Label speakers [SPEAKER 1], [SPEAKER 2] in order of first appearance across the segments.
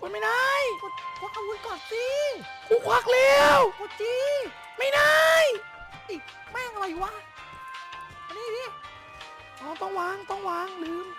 [SPEAKER 1] กดไม่ได้
[SPEAKER 2] กดควักอาวุธก่อนสิ
[SPEAKER 1] กูควักแล้ว
[SPEAKER 2] กดจี
[SPEAKER 1] ไม่ได้
[SPEAKER 2] อีกแม่งอะไรวะอันนี้ดิ
[SPEAKER 1] อ๋อต้องวางลืม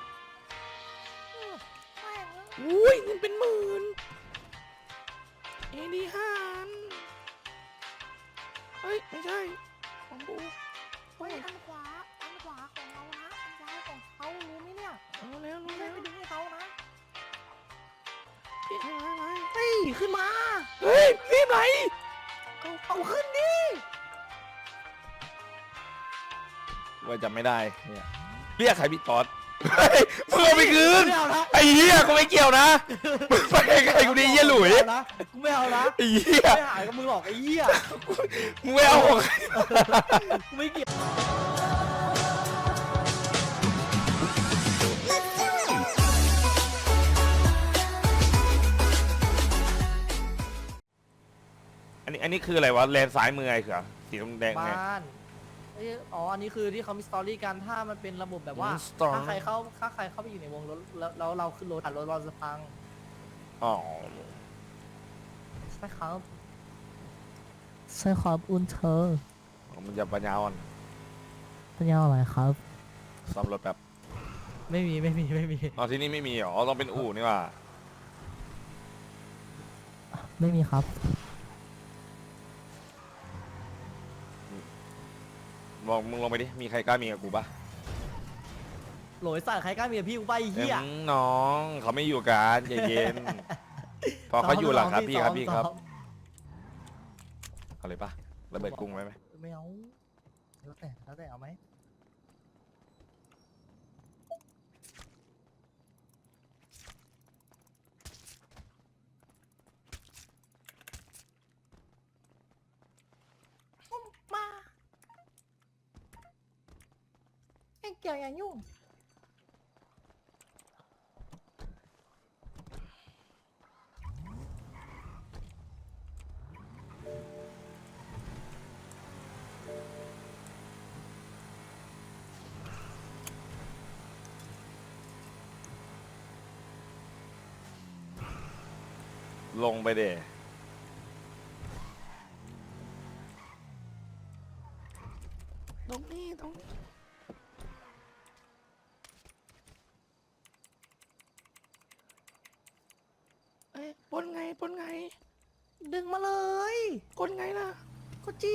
[SPEAKER 2] แม่ง
[SPEAKER 1] อุ้ยเงินเป็นหมื่นเอดี5 อันเฮ้ยไม่ใช่ของกู
[SPEAKER 2] เฮ้ยอันขวาของเรานะอันซ้ายของเขารู้ไหมเนี่ย
[SPEAKER 1] รู้แล้ว
[SPEAKER 2] ไม่ได้ไปดึงให้เขานะ
[SPEAKER 1] พี่ให้ไว้
[SPEAKER 2] เฮ้ยขึ้นมา
[SPEAKER 1] เฮ้ยรีบไหน
[SPEAKER 2] เอาขึ้นดิ
[SPEAKER 1] ว่าจำไม่ได้เนี่ยเรียกใครพี่ตอดเฮ้ยมึงเอาไปคืน
[SPEAKER 2] ไม่เอานะ
[SPEAKER 1] ไอ้เหี้ยกูไม่เกี่ยวนะมึงไปไกลกูดีเหี้ยหลุย
[SPEAKER 2] กูไม่เอานะ
[SPEAKER 1] ไอ้เหี้ย
[SPEAKER 2] ไม่หายกับมึงหรอกไอ้เหี้ย
[SPEAKER 1] มึงไม่เอาของใคร
[SPEAKER 2] กูไม่เกี่ยว
[SPEAKER 1] อันนี้คืออะไรวะเลนซ้ายมือไอ้เหรอสีแดงไง
[SPEAKER 2] บ้านอ๋ออันนี้คือที่เขามีสตอรี่กันถ้ามันเป็นระบบแบบว่า
[SPEAKER 1] สตอรี่
[SPEAKER 2] ถ้าใครเข้าไปอยู่ในวงรถแล้วเราขึ้นรถรถเราจะพัง
[SPEAKER 1] อ๋อ
[SPEAKER 2] ใช่ครับใช่ครับอุนเธอ
[SPEAKER 1] มันจะปัญญาอ่อน
[SPEAKER 2] เป็นยังไงครับ
[SPEAKER 1] ซ่อมรถแบบ
[SPEAKER 2] ไม่มี
[SPEAKER 1] อ๋อที่นี่ไม่มีเหรอต้องเป็นอู่นี่ว่า
[SPEAKER 2] ไม่มีครับ
[SPEAKER 1] บอกมึงลงไปดิมีใครกล้ามีกับกูปะ
[SPEAKER 2] โหลยสัตว์ใครกล้ามีกับพี่กูไปเฮีย
[SPEAKER 1] น้องเขาไม่อยู่กันใจเย็นพอเขาอยู่หลังครับพี่ครับเอาเลยปะระเบิดกุ้งไว้ไหม
[SPEAKER 2] ไม่เอาแล้วแต่เอาไหมมาไอ้เกี่ยวอย่ายุ่ง
[SPEAKER 1] ลงไปเดตรงนี้เอ้ยปนไง
[SPEAKER 2] ดึงมาเลย
[SPEAKER 1] กดไงล่ะ
[SPEAKER 2] ก็จี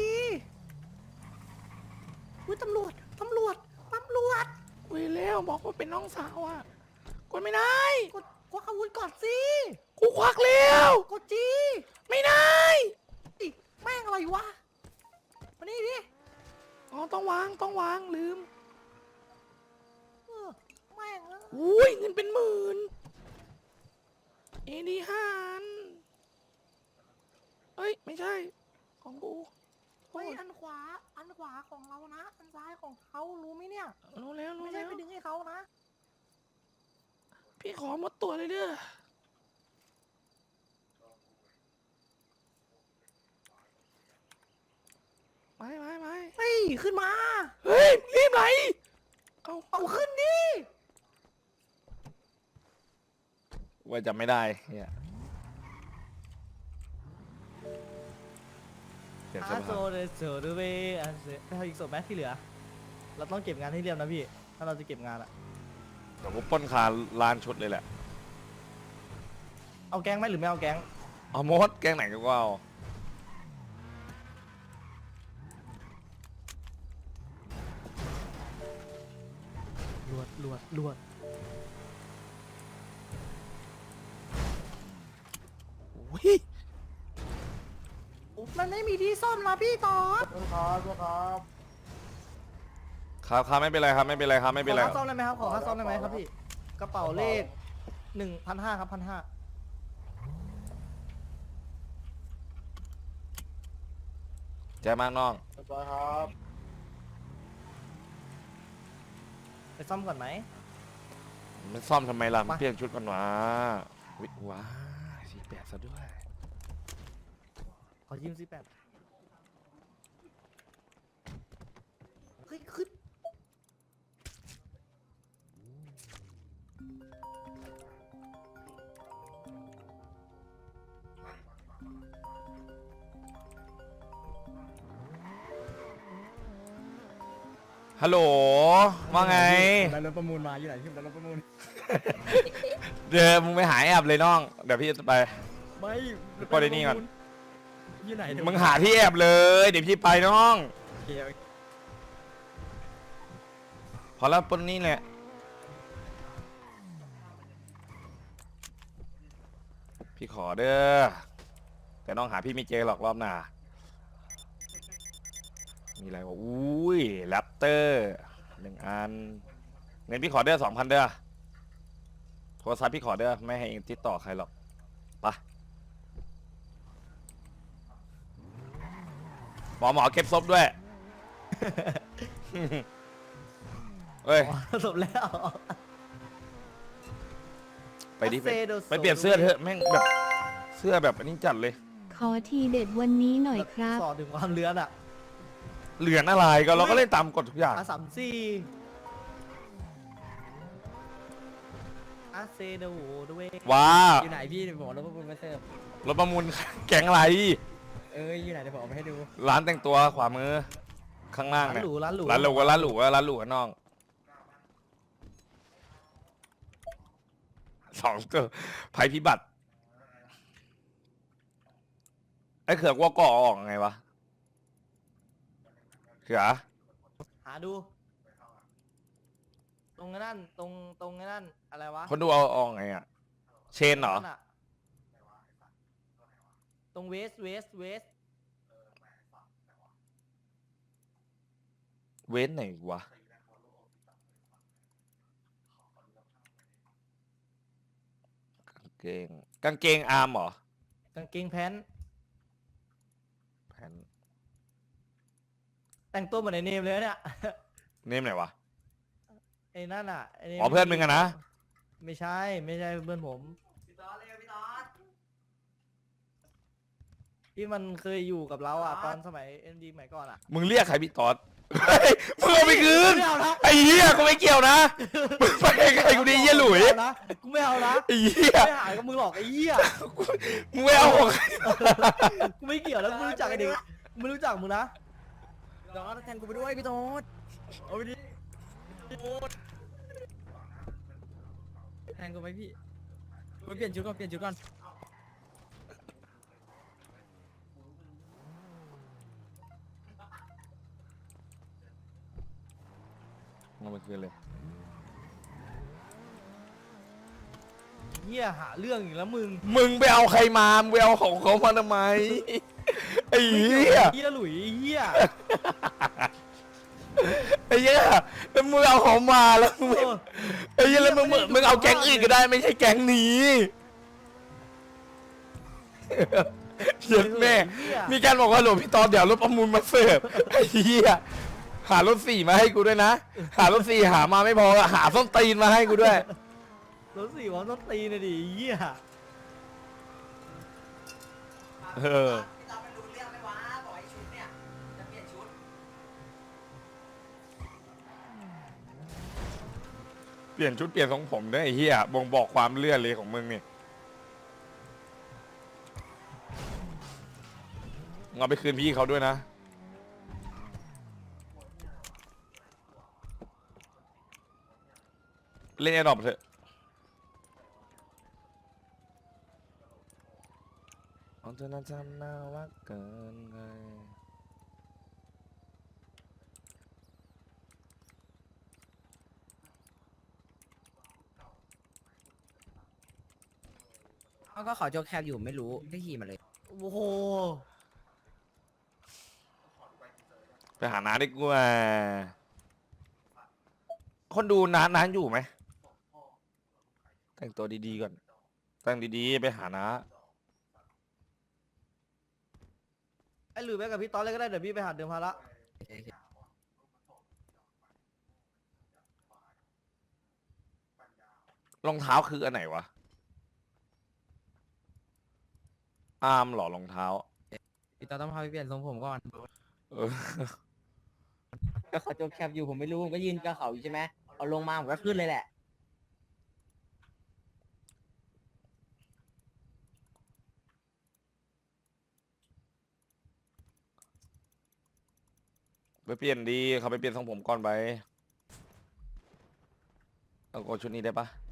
[SPEAKER 2] อุ้ยตำรวจ
[SPEAKER 1] คุยแล้วบอกว่าเป็นน้องสาวอ่ะกดไม่ได้
[SPEAKER 2] กดควักอาวุธก่อนสิ
[SPEAKER 1] กูควักแล้ว
[SPEAKER 2] กดจี
[SPEAKER 1] ไม่ได้
[SPEAKER 2] อีกแม่งอะไรวะมานี่ดิ
[SPEAKER 1] อ๋อต้องวางลืม
[SPEAKER 2] แม่ง
[SPEAKER 1] อุ้ยเงินเป็นหมื่นเอดี5 อันเฮ้ยไม่ใช่ของกู
[SPEAKER 2] เฮ้ยอันขวาของเรานะอันซ้ายของเขารู้ไหมเนี่ย
[SPEAKER 1] รู้แล้ว
[SPEAKER 2] ไม่ได้ไปดึงให้เขานะ
[SPEAKER 1] พี่ขอหมดตัวเลยเด้อไป
[SPEAKER 2] เฮ้ยขึ้นมา
[SPEAKER 1] เฮ้ยรีบไหน
[SPEAKER 2] เอาขึ้นดิ
[SPEAKER 1] ว่าจำไม่ได้เนี่ยเปลี่ยนเสื้อ
[SPEAKER 2] อาโซ
[SPEAKER 1] ผ้า
[SPEAKER 2] เดโซดูเบอาเซไปทำอีกศพไหมที่เหลือ เราต้องเก็บงานให้เรียบนะพี่ ถ้าเราจะเก็บงานอะ
[SPEAKER 1] เดี๋ยวกูปล้นคาร้านชุดเลยแหละ
[SPEAKER 2] เอาแก๊งไหมหรือไม่เอาแก๊ง
[SPEAKER 1] เอามดแกงไหนก็เอา
[SPEAKER 2] ลวด
[SPEAKER 1] อุ้ย
[SPEAKER 2] มันไม่มีที่ซ่อมนะพี่ต่อ
[SPEAKER 1] ครับไม่เป็นไรครับไม่เป็นไร
[SPEAKER 2] ขอค่าซ่อมได้ไหมครับ ขอค่าซ่อมได้ไหมครับพี่ กระเป๋าเลข1,500ครับ1,500
[SPEAKER 1] ใจมากน้อง
[SPEAKER 2] ไปซ่อมก่อนไหม
[SPEAKER 1] มันซ่อมทำไมล่ะ
[SPEAKER 2] ไป
[SPEAKER 1] มันเปลี่ยนชุดก่อนวะวิว้า48ซะด้วย
[SPEAKER 2] ขอยืม48เฮ้ยขึ้น
[SPEAKER 3] ฮัลโหลว่าไง
[SPEAKER 2] ได้รถประมูลมาอยู่ไหนที่ได้รถประมูล
[SPEAKER 3] เดี๋ยวมึงไปหาแอบเลยน้องเดี๋ยวพี่จะไป
[SPEAKER 2] ไม่
[SPEAKER 3] ปล่อยในนี่ก่อน
[SPEAKER 2] อยู่ไหน
[SPEAKER 3] มึงหาที่แอบเลยเดี๋ยวพี่ไปน้อง
[SPEAKER 2] โอเค
[SPEAKER 3] พอแล้วปนนี่แหละพี่ขอเด้อแต่น้องหาพี่ไม่เจอหรอกรอบหน้ามีอะไรวะอุ้ยแรปเตอร์1 อันเงินพี่ขอเด้อ2,000เด้อโทรศัพท์พี่ขอเด้อไม่ให้เองติดต่อใครหรอกไปหมอเก็บศพด้วย เฮ้ย
[SPEAKER 2] จบแล้ว
[SPEAKER 3] ไปดิไปเปลี่ยนเสื้อเถอะแม่งแบบเสื้อแบบอันนี้จัดเลย
[SPEAKER 4] ขอทีเด็ดวันนี้หน่อยครับ
[SPEAKER 2] สอดถึงความเลือนอ่ะ
[SPEAKER 3] เหลือนอะไรก็เราก็เล่นตามกฎทุกอย่าง
[SPEAKER 2] R34อาเซโดด้วย
[SPEAKER 3] ว้า
[SPEAKER 2] อยู่ไหนพี่เดี๋ยวผมเอารถประมูลมาเสิร์ฟ
[SPEAKER 3] รถประมูล แก๊งอะไร
[SPEAKER 2] อยู่ไหนเดี๋ยวผมเอาไปให้ดู
[SPEAKER 3] ร้านแต่งตัวขวามือข้างล่าง
[SPEAKER 2] ร้าน
[SPEAKER 3] เนี่ย
[SPEAKER 2] หรูร้านหรู
[SPEAKER 3] ร้านหรูก็ร้านหรูก็ร้านหรูก็น้อง2 ตัวภัยพิบัติไอ้เขือกว่าก่อออกไงวะเขือ
[SPEAKER 2] หาดู ตรงนั้นตรงนั้นอะไรวะ
[SPEAKER 3] คนดูเอาออกไงอ่ะเชนเหรอ
[SPEAKER 2] นั่นน่ะตรงเวส
[SPEAKER 3] เว้นไหนวะกางเกงอาร์มเหรอก
[SPEAKER 2] างเกงแพน
[SPEAKER 3] แผ่น
[SPEAKER 2] แต่งตัวเหมือนไอเนมเลยเนี่ย
[SPEAKER 3] เนมไหนวะ
[SPEAKER 2] ไอ้นั่นอ่ะไอ้นม
[SPEAKER 3] อ๋อเพื่อนมึงอะนะ
[SPEAKER 2] ไม่ใช่เพื่อนผมที่มันเคยอยู่กับเราอ่ะตอนสมัยเอ็มดีใหม่ก่อนอ่ะ
[SPEAKER 3] มึงเรียกใครพี่ตอดเฮ้ยมึงเอาไปคืน
[SPEAKER 2] ไม่เอานะ
[SPEAKER 3] ไอ้เหี้ยกูไม่เกี่ยวนะมึงไปใครกูดีเหี้ยหลุย
[SPEAKER 2] ไม่เอานะกูไม่เอานะ
[SPEAKER 3] ไอ้เหี้ย
[SPEAKER 2] ไม่หายกับมึงหรอกไอ้เหี้ย
[SPEAKER 3] มึงไม่เอาของใคร
[SPEAKER 2] กูไม่เกี่ยวแล้วกูไม่รู้จักไอ้เด็กกูไม่รู้จักมึงนะ
[SPEAKER 5] ดอสแทนกูไปด้วยพี่โต๊ด
[SPEAKER 2] เอาไปดิ
[SPEAKER 5] แทนกูไปพี่ไปเปลี่ยนชุดก่อนเปลี่ยนชุดก่อน
[SPEAKER 3] เอาไปคืนเลย
[SPEAKER 2] เหี้ยหาเรื่องอีกแล้วมึง
[SPEAKER 3] มึงไปเอาใครมามึงไปเอาของเขามาทำไมไอ้
[SPEAKER 2] ไม่
[SPEAKER 3] เหี้
[SPEAKER 2] เกี่ย
[SPEAKER 3] ยว
[SPEAKER 2] เหี้ยหลุยไอ้เหี้ย
[SPEAKER 3] ไอ้เหี้ยแล้วมึงเอาของมาแล้วมึงไม่
[SPEAKER 2] เออ
[SPEAKER 3] ไอ้เหี้ยแล้วมึงเอาแก๊งอื่นก็ได้ไม่ใช่แก๊งนี้เหี้ยแม่
[SPEAKER 2] เหี้ย
[SPEAKER 3] มีการบอกว่าหลวงพี่ตอนเดี๋ยวรถประมูลมาเสิร์ฟไอ้เหี้ยหารถ4มาให้กูด้วยนะ หารถ4หามาไม่พอหาส้นตีนมาให้กูด้วย
[SPEAKER 2] รถสี่วันต้องตีนะดิไอ้เหี้ย
[SPEAKER 3] เออ
[SPEAKER 6] พี่ตอนมันรู้เรื่องไหมวะบอกไอ้ชุดเนี่ยจะเปลี่ยนชุด
[SPEAKER 3] เปลี่ยนชุดเปลี่ยนทรงผมด้วยไอ้เหี้ยบ่งบอกความเลื่อนเลยของมึงนี่มึงเอาไปคืนพี่เขาด้วยนะเล่นแอร์ดรอปเถอะเอาเธอน่าจำหน้าว่าเกินไง
[SPEAKER 5] เขาก็เขาโจกแคบอยู่ไม่รู้ก็ขี่มาเลย
[SPEAKER 2] โอ้โห
[SPEAKER 3] ไปหาน้าดีกว่าคนดูน้าอยู่ไหมแต่งตัวดีๆก่อนแต่งดีๆไปหาน้า
[SPEAKER 2] ไอ้หลุยไปกับพี่ตอนเลยก็ได้เดี๋ยวพี่ไปหาเดิมพาระ
[SPEAKER 3] รองเท้าคืออันไหนวะอาร์มเหรอรองเท้า
[SPEAKER 5] พี่ต๊อดต้องพาไปเปลี่ยนทรงผมก่อน
[SPEAKER 3] เออ
[SPEAKER 5] ก็เขาโจกแคบอยู่ผมไม่รู้ผมก็ยืนกับเขาอยู่ใช่ไหมเอาลงมาผมก็ขึ้นเลยแหละ
[SPEAKER 3] ไปเปลี่ยนดีเขาไปเปลี่ยนทรงผมก่อนไปเอาโกชุดนี้ได้ปะ